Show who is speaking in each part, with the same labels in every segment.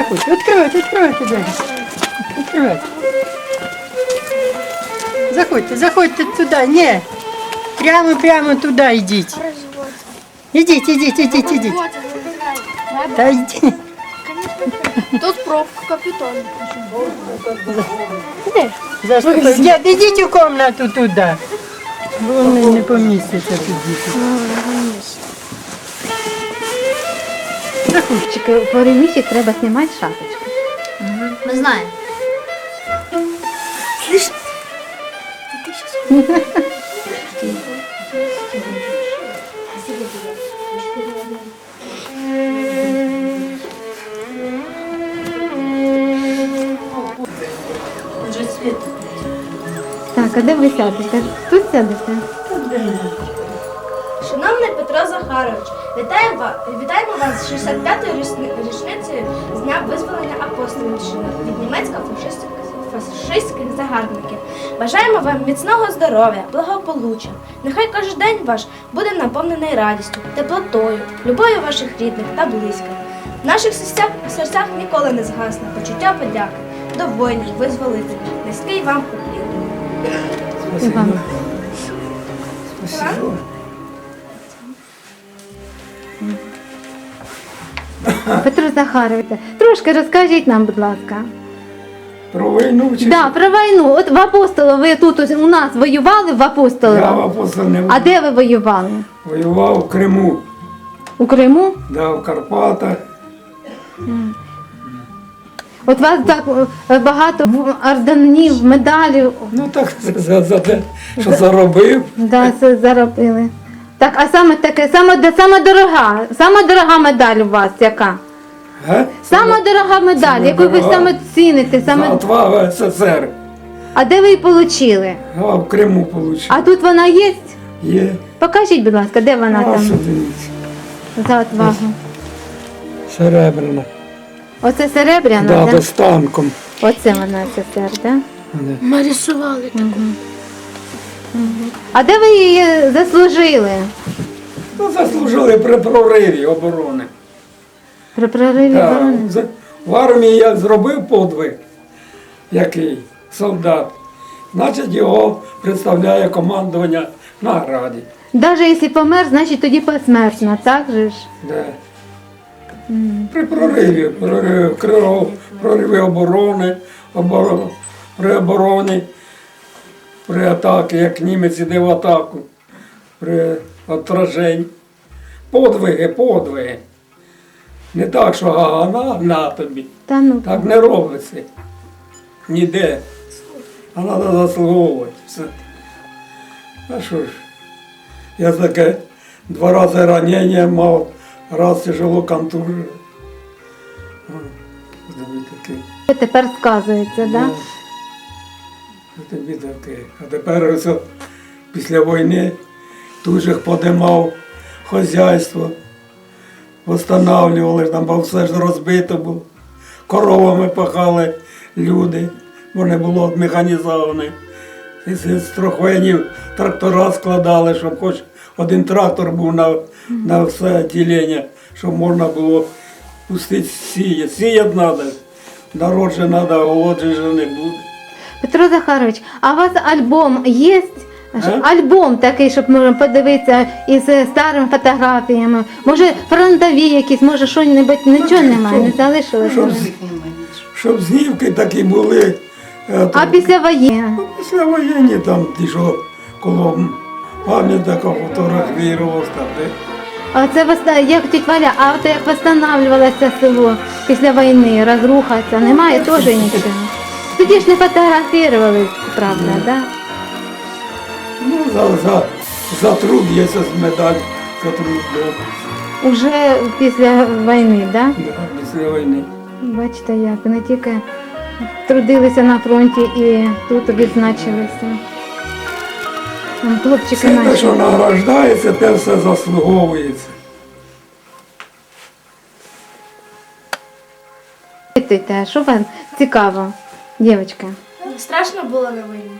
Speaker 1: заходьте, відкривайте двері. Відкривайте. Заходьте туди, ні. Прямо туди йдіть. Ідіть. Та йдіть.
Speaker 2: Тут пробка капітон.
Speaker 1: Ідіть у кімнату туди. Вони не помістяться тут.
Speaker 3: Заходьте. В переміщі треба знімати шапочку.
Speaker 2: Ми знаємо.
Speaker 3: Так, а де ви сядете? Тут сядете?
Speaker 4: Шановний Петро Захарович, вітаємо вас з 65-ю річницею з дня визволення Апостолівщини від німецько-фашистських загарбників. Бажаємо вам міцного здоров'я, благополуччя. Нехай кожен день ваш буде наповнений радістю, теплотою, любов'ю ваших рідних та близьких. В наших серцях ніколи не згасне почуття подяки до воїнів, визволителів. Низький вам уклін.
Speaker 3: Спасибо. Петро Захарович, трошки розкажіть нам, будь ласка.
Speaker 5: Про війну чи
Speaker 3: Да, про війну. От в Апостолі ви тут у нас воювали в Апостолі?
Speaker 5: я в Апостолі не
Speaker 3: А де ви воювали?
Speaker 5: воював в Криму,
Speaker 3: У Криму?
Speaker 5: да, в Карпатах.
Speaker 3: От вас так багато орденів, медалів
Speaker 5: Ну так за те, що заробив.
Speaker 3: да, це заробили. Так, а саме таке, сама дорога медаль у вас яка? Сама дорога медаль, яку ви
Speaker 5: дорога.
Speaker 3: саме ціните,
Speaker 5: За
Speaker 3: саме...
Speaker 5: отвагу СССР.
Speaker 3: А де ви її отримали?
Speaker 5: А в Криму отримав.
Speaker 3: А тут вона є?
Speaker 5: Є.
Speaker 3: Покажіть, будь ласка, де вона
Speaker 5: А,
Speaker 3: там
Speaker 5: дивіться.
Speaker 3: за отвагу?
Speaker 5: Серебряна.
Speaker 3: Оце серебряна,
Speaker 5: Да,
Speaker 3: да?
Speaker 5: з танком.
Speaker 3: Оце вона СССР, да?
Speaker 2: Ми рисували.
Speaker 3: А де ви її заслужили?
Speaker 5: Ну, заслужили при прориві оборони.
Speaker 3: При прориві
Speaker 5: Да.
Speaker 3: оборони?
Speaker 5: В армії я зробив подвиг, який солдат. Значить, його представляє командування на Раді.
Speaker 3: Навіть якщо помер, значить тоді посмертно, так же ж?
Speaker 5: Да. При прориві оборони, при обороні, при атаці, як німець іде в атаку, при отраженні. Подвиги. Не так, що ага, на тобі.
Speaker 3: Та ну.
Speaker 5: Так не робиться. Ніде. А треба заслуговувати. Все. А що ж? Я таке 2 рази ранення мав, раз тяжело контужив. Тобі таке.
Speaker 3: Тепер сказується, да?
Speaker 5: Тобі таке. А тепер ось після війни тут же подимав хазяйство, встановлювали, там бо все ж розбито було. Коровами пахали люди, бо не було механізованих. З трохвенів трактора складали, щоб хоч один трактор був на все ділення, щоб можна було пустити сіяти. Сіяти треба, народ же треба, голодження же не буде.
Speaker 3: Петро Захарович, а у вас альбом є? Альбом такий, щоб можна подивитися із старими фотографіями. Може фронтові якісь, може що-небудь, нічого немає, не залишилося.
Speaker 5: Щоб знімки такі були.
Speaker 3: А після воєнні?
Speaker 5: Після воєнні там ті, що коло пам'ятника фотографувався там.
Speaker 3: А це як тітя Валя, а от як встановлювалося село після війни, розрухатися, немає теж нічого. Тоді ж не фотографували, правда, так? Да?
Speaker 5: Ну, за труд є медаль, за труд. Да.
Speaker 3: Уже після війни, так? Да?
Speaker 5: Да, після війни.
Speaker 3: Бачите, як не тільки трудилися на фронті і тут відзначилися. Хлопчики
Speaker 5: Все те,
Speaker 3: наші.
Speaker 5: що награждається, те все заслуговується.
Speaker 3: Питайте, а що вам цікаво, дівчатка?
Speaker 4: Страшно було на війні.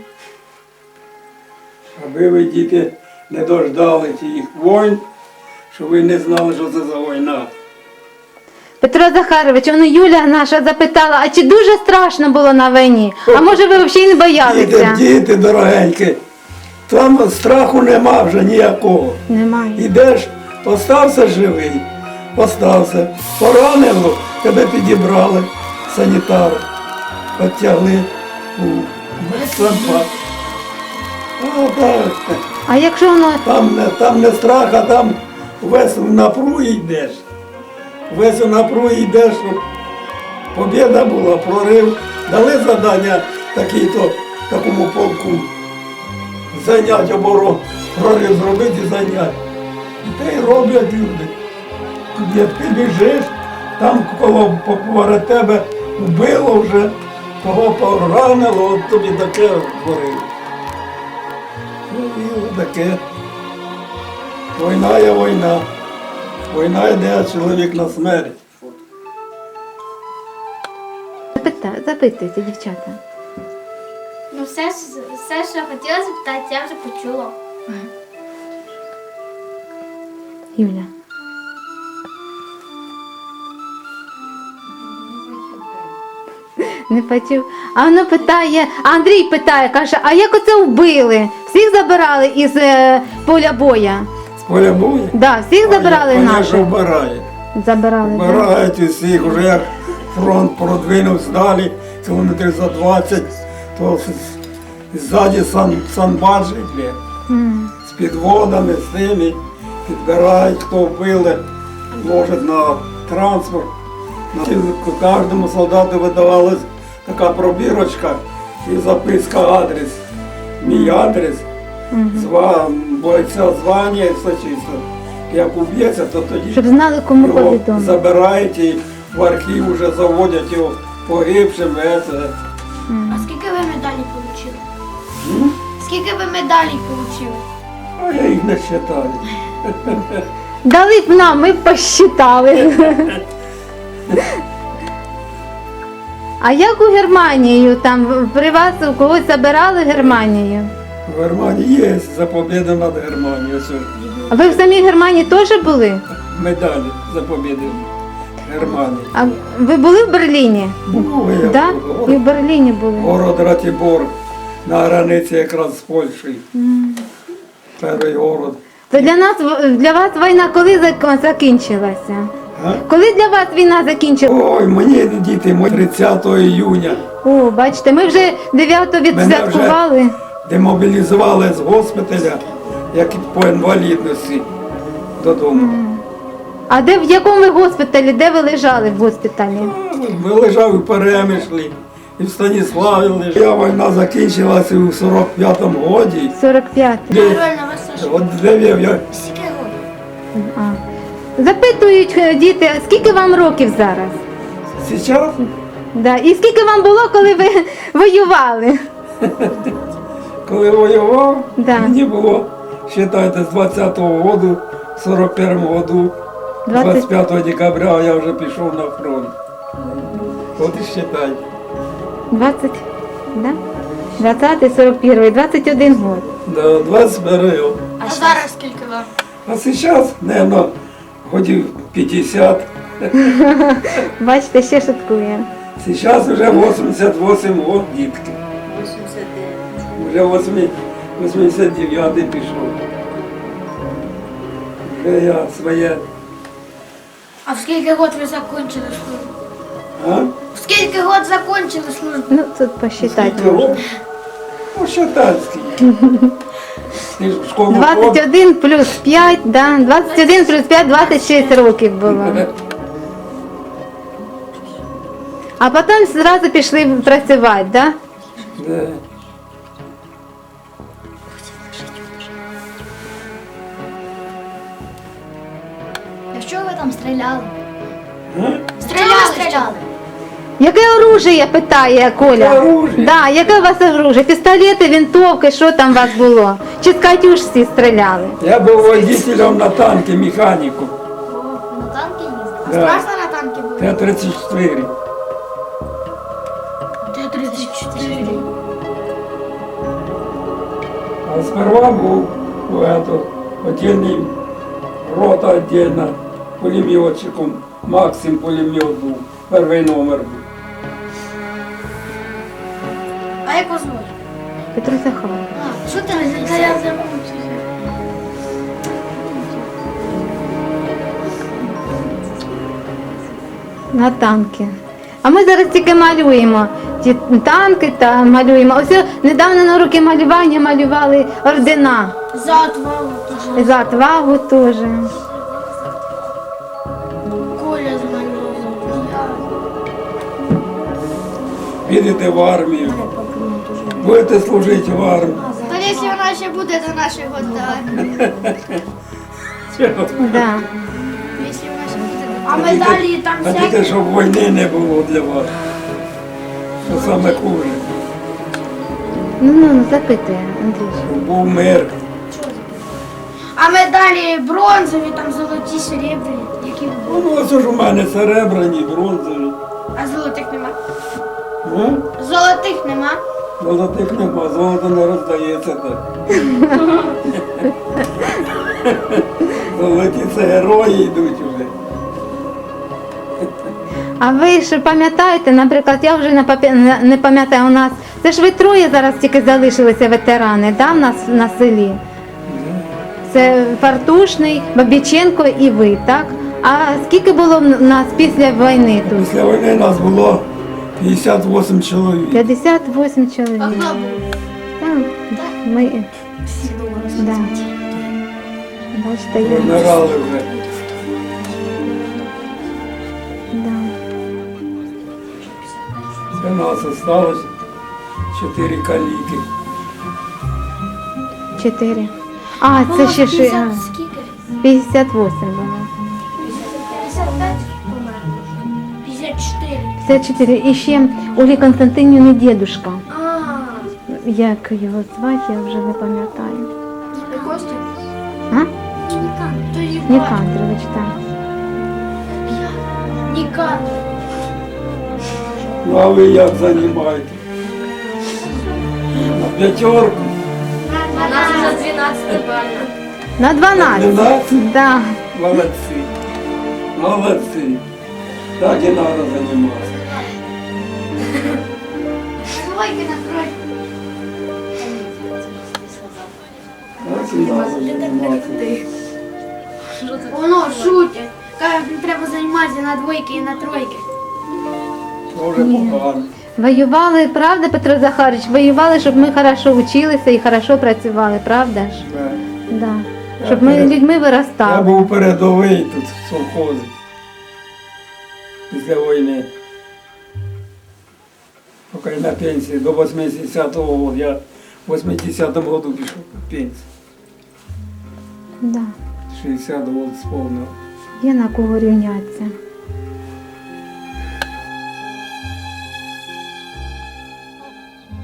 Speaker 5: Аби ви, діти, не дождали тих війн, щоб ви не знали, що це за війна.
Speaker 3: Петро Захарович, воно Юля наша запитала, а чи дуже страшно було на війні? А може ви взагалі не боялися?
Speaker 5: Діти дорогенькі, там страху нема вже ніякого.
Speaker 3: Немає.
Speaker 5: Ідеш, остався живий, остався. Поранило, тебе підібрали, санітари, підтягли у медсанбат. А так,
Speaker 3: А якщо воно
Speaker 5: там не страх, а там весь в напругі йдеш. Весь в напругі йдеш, щоб побєда була, прорив. Дали завдання такому полку зайнять оборон, прорив зробити і зайняти. І те й роблять люди. Як ти біжиш, там коло поперед тебе вбило вже, того поранило, от тобі таке творили. Ну і таке. Війна є війна. Війна йде, а чоловік на смерть.
Speaker 3: запитуйте, дівчата.
Speaker 2: Ну, все, що хотіла запитати, я вже почула.
Speaker 3: Юля. Не почув. А воно питає, Андрій питає, каже, а як оце вбили? Всіх забирали із поля боя?
Speaker 5: З поля бою?
Speaker 3: Да, всіх забирали
Speaker 5: Конечно,
Speaker 3: наших?
Speaker 5: вбирають.
Speaker 3: Забирали, да?
Speaker 5: Вбирають усіх, вже як фронт продвинувся далі, кілометрів за 20, то ззаді санбаджі йде. З підводами, з ними, підбирають, хто вбили, ложать на транспорт. Кожному солдату видавалась така пробірочка і записка адрес. Мій адрес, бойця звання і все чисто. Як уб'ється, то тоді
Speaker 3: Щоб знали, кому
Speaker 5: його
Speaker 3: повідомити.
Speaker 5: забирають і в архів вже заводять його погибшим.
Speaker 2: А скільки ви медалей отримали? Скільки ви медалей отримали?
Speaker 5: А я їх не вважаю.
Speaker 3: Дали б нам, ми б посчитали. А як у Германію, там при вас у когось забирали Германію?
Speaker 5: В Германії є за побіду над Германією. Ось
Speaker 3: А ви в самій Германії теж були?
Speaker 5: медалі за побіду Германії.
Speaker 3: А ви були в Берліні?
Speaker 5: Був я
Speaker 3: Да?
Speaker 5: в
Speaker 3: І в Берліні були.
Speaker 5: город Ратибор на границі якраз з Польщею. Перший город.
Speaker 3: То для вас війна коли закінчилася?
Speaker 5: А?
Speaker 3: Коли для вас війна закінчилася?
Speaker 5: Ой, мені діти, 30 июня.
Speaker 3: О, бачите, ми вже 9-го відсвяткували.
Speaker 5: Демобілізували з госпіталя, як і по інвалідності додому.
Speaker 3: А в якому ви госпіталі? Де ви лежали в госпіталі?
Speaker 5: Ми лежав у Перемишлі, і в Станіславі лежав. Війна закінчилася у 45-му році.
Speaker 3: 45.
Speaker 2: Реально, вас Саша.
Speaker 5: От де я
Speaker 2: Скільки років?
Speaker 3: Запитують діти, а скільки вам років зараз?
Speaker 5: зараз
Speaker 3: Да. І скільки вам було, коли ви воювали?
Speaker 5: коли воював,
Speaker 3: Да.
Speaker 5: мені було, вважайте, з 20-го року, в 41-му году, 25 декабря я вже пішов на фронт. От і вважайте.
Speaker 3: 20, да? 20-й, 41-й, 21 год.
Speaker 5: Да, 21 год.
Speaker 2: А зараз скільки вам?
Speaker 5: А зараз, мабуть, годів 50.
Speaker 3: Бачите, ще шуткує.
Speaker 5: Зараз вже 88 год, дітки. 89. Вже 89 пішов. Вже я своє.
Speaker 2: А в скільки год ви закончили службу?
Speaker 5: А?
Speaker 2: В скільки год закончили службу?
Speaker 3: Ну, тут посчитати
Speaker 5: Скільки
Speaker 3: можна.
Speaker 5: років? Ну, щотанський. Ти ж в школу
Speaker 3: 21 плюс 5, да? 21 плюс 5, 26 років було. А потім зразу пішли працювати, да?
Speaker 5: Да.
Speaker 2: А що ви там стріляли?
Speaker 5: А?
Speaker 2: Стріляли.
Speaker 3: Яке оружие, питає Коля?
Speaker 5: Яке оружие?
Speaker 3: Да, яке у вас оружие? Пістолети, винтовки, що там у вас було? Чи з Катюшці стріляли?
Speaker 5: Я був водителем на танки, механіком.
Speaker 2: На танки їздили?
Speaker 5: Да.
Speaker 2: Страшно на танки було?
Speaker 5: Т-34.
Speaker 2: Т-34.
Speaker 5: А сперва був отдельный рота отдельно, пулеметчиком Максим пулемет був, перший номер був.
Speaker 2: А як вас звуть?
Speaker 3: Петро Захарович.
Speaker 2: А, що ти не я забув?
Speaker 3: На танки. А ми зараз тільки малюємо ті танки та малюємо. Ось недавно на уроки малювання малювали ордена.
Speaker 2: За отвагу теж.
Speaker 3: За отвагу теж.
Speaker 2: Коля змалював.
Speaker 5: Підете в армію, будете служити в армії.
Speaker 2: Та якщо вона ще буде до нашого армії.
Speaker 3: Да.
Speaker 2: Якщо вона ще буде до... А медалі там
Speaker 5: Хотіте,
Speaker 2: всякі.
Speaker 5: щоб війни не було для вас. Що саме хуже.
Speaker 3: Ну, запитує, Андрій.
Speaker 5: Щоб був мир.
Speaker 2: А медалі бронзові, там золоті, серебряні, які
Speaker 5: Ну, ось ж у мене серебряні, бронзові.
Speaker 2: А золотих нема?
Speaker 5: А?
Speaker 2: Золотих нема.
Speaker 5: Золотих нема, золото не роздається так. Золоті це герої йдуть уже.
Speaker 3: А ви ж пам'ятаєте, наприклад, я вже не пам'ятаю, у нас, це ж ви троє зараз тільки залишилися ветерани, да, в нас на селі? Це Фартушний, Бабіченко і ви, так? А скільки було в нас після війни тут?
Speaker 5: Після війни нас було 58 чоловік.
Speaker 3: 58 чоловік.
Speaker 2: А хто був?
Speaker 3: Там ми. Да. Бачите, я.
Speaker 5: Вмирали вже.
Speaker 3: Да.
Speaker 5: Це нас осталось 4 каліки.
Speaker 3: 4. А, це ще ж
Speaker 2: 50 скільки?
Speaker 3: 58 було.
Speaker 2: 55 помер. 54.
Speaker 3: 54. І ще Олі Константинівни дідушка.
Speaker 2: А,
Speaker 3: Як його звати, я вже не пам'ятаю.
Speaker 2: Костя?
Speaker 3: А?
Speaker 2: Нікан. То її
Speaker 3: Нікандрович, так.
Speaker 2: Нікан.
Speaker 5: Ну а ви як займаєте? На п'ятерку?
Speaker 4: У нас вже 12 бально.
Speaker 3: На 12.
Speaker 5: 12?
Speaker 3: Да.
Speaker 5: Молодці. Молодці. Так і треба займатися.
Speaker 2: Двойки накрой.
Speaker 5: Так і треба займатися.
Speaker 2: Воно шутить. Каже, треба займатися на двойки і на тройки.
Speaker 5: Дуже погано.
Speaker 3: Воювали, правда, Петро Захарович? Воювали, щоб ми хорошо вчилися і хорошо працювали, правда ж?
Speaker 5: Так.
Speaker 3: Да. Щоб ми людьми
Speaker 5: Я
Speaker 3: виростали.
Speaker 5: був передовий тут в совхозі. Після війни. Поки на пенсії до 80-го року. Я в 80-му році пішов на пенсію.
Speaker 3: Да.
Speaker 5: 60 років сповнив.
Speaker 3: Є на кого рівнятися.